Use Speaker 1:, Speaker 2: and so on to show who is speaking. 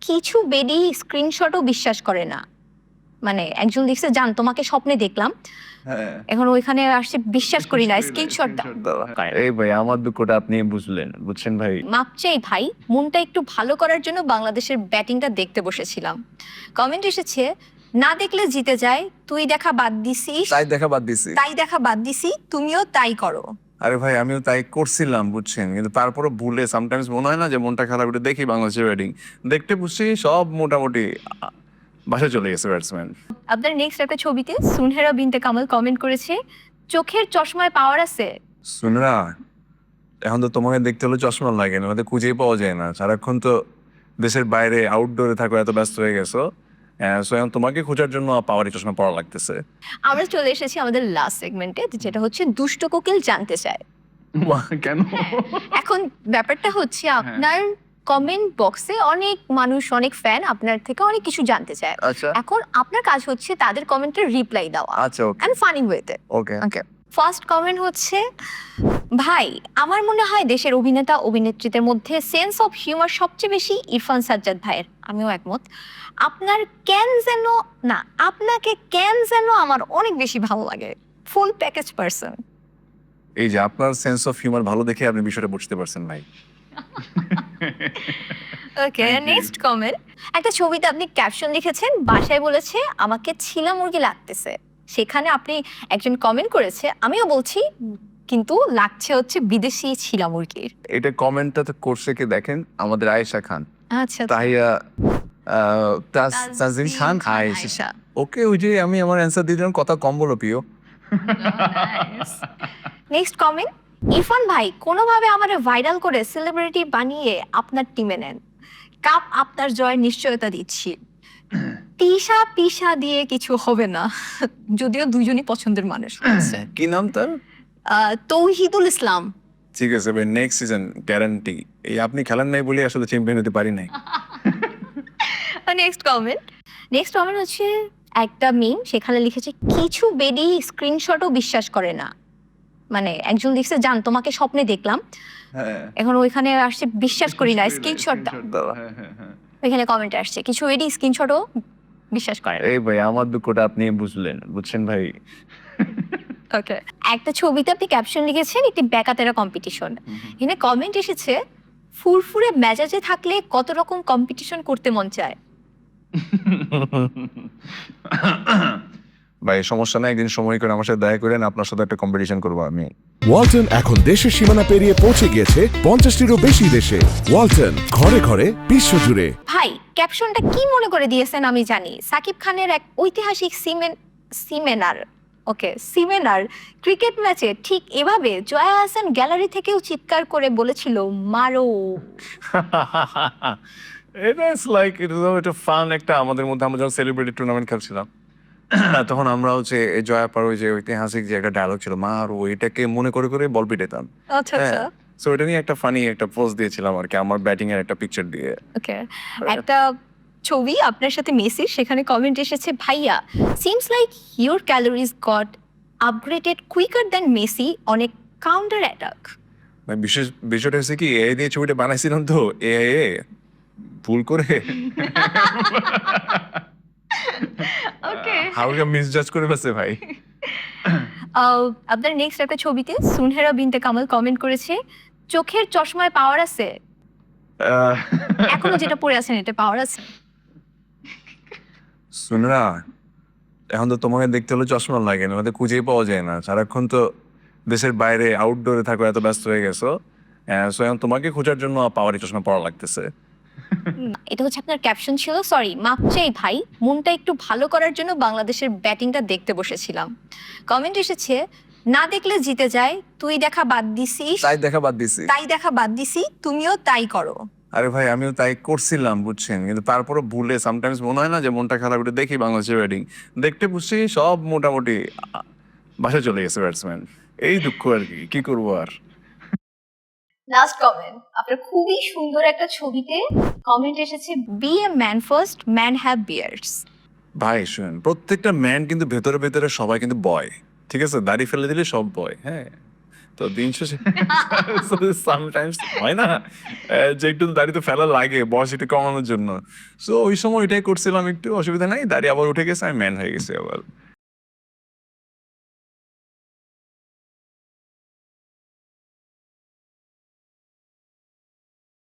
Speaker 1: কিছু বেডি স্ক্রিনশটও বিশ্বাস করে না। মানে একজন লিখছে, জান তোমাকে স্বপ্নে দেখলাম,
Speaker 2: হ্যাঁ
Speaker 1: এখন ওইখানে আসছে বিশ্বাস করি না, স্ক্রিনশট দাও।
Speaker 2: এই ভাই আমার দুঃখটা আপনি বুঝছেন ভাই।
Speaker 1: মাপ চাই ভাই, মনটা একটু ভালো করার জন্য বাংলাদেশের ব্যাটিংটা দেখতে বসেছিলাম। কমেন্ট এসেছে, না দেখলে জিতে যায়, তুই দেখা বাদ দিছিস,
Speaker 2: তাই দেখা বাদ দিছি।
Speaker 1: তাই দেখা বাদ দিছি, তুমিও তাই করো।
Speaker 2: আরে ভাই আমিও তাই করছিলাম বুঝছেন, কিন্তু তারপরে ভুলে সামটাইমস মনে হয় না যে মনটা খারাপ, একটু দেখি বাংলাদেশের ব্যাটিং, দেখতে বুঝছি সব মোটামুটি বাসা চলে গেছে ব্যাটসম্যান।
Speaker 1: আপনার নেক্সট একটা ছবিতে সুনহেরা বিনতে কামাল কমেন্ট করেছে, চোখের চশমায় পাওয়ার আছে।
Speaker 2: শুনরা, এখন তো তোমাকে দেখতে হলে চশমা লাগে না, হয়তো খুঁজেই পাওয়া যায় না, সারাক্ষণ তো দেশের বাইরে আউটডোরে থাকো, এত ব্যস্ত হয়ে গেছো। সো এখন তোমাকে খোঁজার জন্য পাওয়ারি চশমা পড়া লাগতেছে।
Speaker 1: আমরা চলে এসেছি আমাদের লাস্ট সেগমেন্টে, যেটা হচ্ছে দুষ্ট কোকিল জানতে চায়।
Speaker 2: কেন?
Speaker 1: এখন ব্যাপারটা হচ্ছে আপনার কমেন্ট বক্সে অনেক মানুষ, অনেক ফ্যান আপনার থেকে অনেক কিছু জানতে চায়।
Speaker 2: আচ্ছা
Speaker 1: এখন আপনার কাজ হচ্ছে তাদের কমেন্টের রিপ্লাই দেওয়া,
Speaker 2: আচ্ছা ওকে
Speaker 1: এন্ড ফানি ওয়েতে।
Speaker 2: ওকে
Speaker 1: ওকে, ফার্স্ট কমেন্ট হচ্ছে, ভাই আমার মনে হয় দেশের অভিনেতা অভিনেত্রীদের মধ্যে সেন্স অফ হিউমার সবচেয়ে বেশি ইরফান সাজ্জাদ ভাইয়ের। আমিও একমত। আপনার কেন যেন না, আপনাকে কেন যেন আমার অনেক বেশি ভালো লাগে, ফুল প্যাকেজ পারসন।
Speaker 2: এই যে আপনার সেন্স অফ হিউমার ভালো দেখে আপনি বিষয়টা বুঝতে পারছেন ভাই।
Speaker 1: Okay, next comment. একটা ছবিতে আপনি ক্যাপশন লিখেছেন, বাসায় বলেছে আমাকে ছিলা মুরগি লাগতেছে। সেখানে আপনি একজন কমেন্ট করেছে, আমিও বলছি কিন্তু লাগছে হচ্ছে বিদেশি ছিলা মুরগির।
Speaker 2: এটা কমেন্টটা তো করছে কে দেখেন, আমাদের আয়েশা খান।
Speaker 1: আচ্ছা,
Speaker 2: তাহিয়া তাজিম খান আয়েশা। ওকে, ওই যে আমি আমার অ্যান্সার দিয়ে দিলাম, কথা কম বলো প্রিয়।
Speaker 1: নেক্সট কমেন্ট, ইরফান ভাই কোনোভাবে আমারে ভাইরাল করে সেলিব্রিটি বানিয়ে আপনার টিমে নেন, কাপ আপনার জয়ের নিশ্চয়তা দিচ্ছি। তিশা পিশা দিয়ে কিছু হবে না, যদিও দুজনই পছন্দের মানুষ আছে।
Speaker 2: কি নাম তার?
Speaker 1: তৌহিদুল ইসলাম।
Speaker 2: ঠিক আছে ভাই, নেক্সট সিজন গ্যারান্টি। এই আপনি খেলেন নাই বলে আসলে চ্যাম্পিয়ন হতে পারি নাই।
Speaker 1: নেক্সট কমেন্ট হচ্ছে একটা মিম, সেখানে লিখেছে, কিছু বেডি স্ক্রিনশটও বিশ্বাস করে না। মানে একজন লিখছে, জান তোমাকে স্বপ্নে দেখলাম,
Speaker 2: হ্যাঁ
Speaker 1: এখন ওইখানে আসছে বিশ্বাস করি না, স্ক্রিনশট দাও। ওইখানে কমেন্ট আসছে, কিছু বেডি স্ক্রিনশটও বিশ্বাস করে না।
Speaker 2: এই ভাই আমার দুঃখটা আপনি বুঝছেন ভাই।
Speaker 1: ওকে, একটা ছবিতে আপনি ক্যাপশন লিখেছেন একটি বেকাতেরা কম্পিটিশন। এখানে কমেন্ট এসেছে, ফুরফুরে মেজাজে থাকলে কত রকম কম্পিটিশন করতে মন চায়।
Speaker 2: ভাই সমস্যা নাই, একদিন সময় করে আমার সাথে দেখা করেন, আপনার সাথে একটা কম্পিটিশন করবো আমি।
Speaker 3: ওয়ালটন এখন দেশের সীমানা পেরিয়ে পৌঁছে গিয়েছে 50টিরও বেশি দেশে। ওয়ালটন, ঘরে ঘরে বিশ্বজুড়ে।
Speaker 1: ভাই ক্যাপশনটা কি মনে করে দিয়েছেন আমি জানি। সাকিব খানের এক ঐতিহাসিক সিমেনার ক্রিকেট ম্যাচে ঠিক এভাবে জয়া হাসান গ্যালারি থেকেও চিৎকার করে বলেছিল, মারো।
Speaker 2: এটা ইটস লাইক এটা ফান একটা, আমাদের মধ্যে আমরা যখন সেলিব্রিটি টুর্নামেন্ট খেলছিলাম তখন আমরা হচ্ছে এই জয়াপার ওই যে ঐতিহাসিক যে একটা ডায়লগ ছিল, মা আর এটাকে মনে করে করে বল পিটাতাম।
Speaker 1: আচ্ছা আচ্ছা,
Speaker 2: সো এটা নিয়ে একটা ফানি একটা পোস্ট দিয়েছিলাম আর কি, আমার ব্যাটিং এর একটা পিকচার দিয়ে।
Speaker 1: ওকে। একটা ছবি আপনার সাথে মেসির, সেখানে কমেন্ট এসেছে, ভাইয়া seems like your calories got upgraded quicker than Messi on a counter attack.
Speaker 2: মানে বিশেষ বিষয়টা হচ্ছে কি, এআই দিয়ে ছবিটা বানাইছিলাম তো, এআই ভুল করে
Speaker 1: ওকে,
Speaker 2: হালকা মিসজাজ করে ফেলছে ভাই।
Speaker 1: আপনার নেক্সট একটা ছবিতে সুনহেরা বিনতে কামাল কমেন্ট করেছে, চোখের চশমায় পাওয়ার আছে। এখনো যেটা পরে আছেন এটা পাওয়ার আছে।
Speaker 2: শুনরা, এখন তো তোমাকে দেখতে হলে চশমা লাগে না, হয়তো খুঁজেই পাওয়া যায় না, সারাক্ষণ তো দেশের বাইরে আউটডোরে থাকো, এত ব্যস্ত হয়ে গেছো। সো এখন তোমাকে খোঁজার জন্য পাওয়ারি চশমা পড়া লাগতেছে।
Speaker 1: এটা হচ্ছে আপনার ক্যাপশন ছিল, সরি মাপ চাই ভাই, মনটা একটু ভালো করার জন্য বাংলাদেশের ব্যাটিংটা দেখতে বসেছিলাম। কমেন্ট এসেছে, না দেখলে জিতে যায়, তুই দেখা বাদ দিছিস,
Speaker 2: তাই দেখা বাদ দিছি।
Speaker 1: তাই দেখা বাদ দিছি, তুমিও তাই করো।
Speaker 2: আরে ভাই আমিও তাই করছিলাম বুঝছেন, কিন্তু তারপরে ভুলে সামটাইমস মনে হয় না যে মনটা খারাপ, একটু দেখি বাংলাদেশের ব্যাটিং, দেখতে বুঝছি সব মোটামুটি বাসা চলে গেছে ব্যাটসম্যান। এই দুঃখ আর কি, কি করবো আর।
Speaker 1: লাস্ট কমেন্ট, আপনার খুবই সুন্দর একটা ছবিতে কমেন্ট এসেছে, be a man first, man have beards.
Speaker 2: ভাই শুনেন, প্রত্যেকটা ম্যান কিন্তু ভেতরে ভেতরে সবাই কিন্তু বয়, ঠিক আছে, দাড়ি ফেলে দিলে সব বয়, হ্যাঁ। তো দিন শেষে সামটাইমস হয় না যে একটু দাড়ি তো ফেলা লাগে বয়স একটু কমানোর জন্য। সো ওই সময় ওইটাই করছিলাম, একটু অসুবিধা নাই, দাড়ি আবার উঠে গেছে, আমি ম্যান হয়ে গেছি আবার।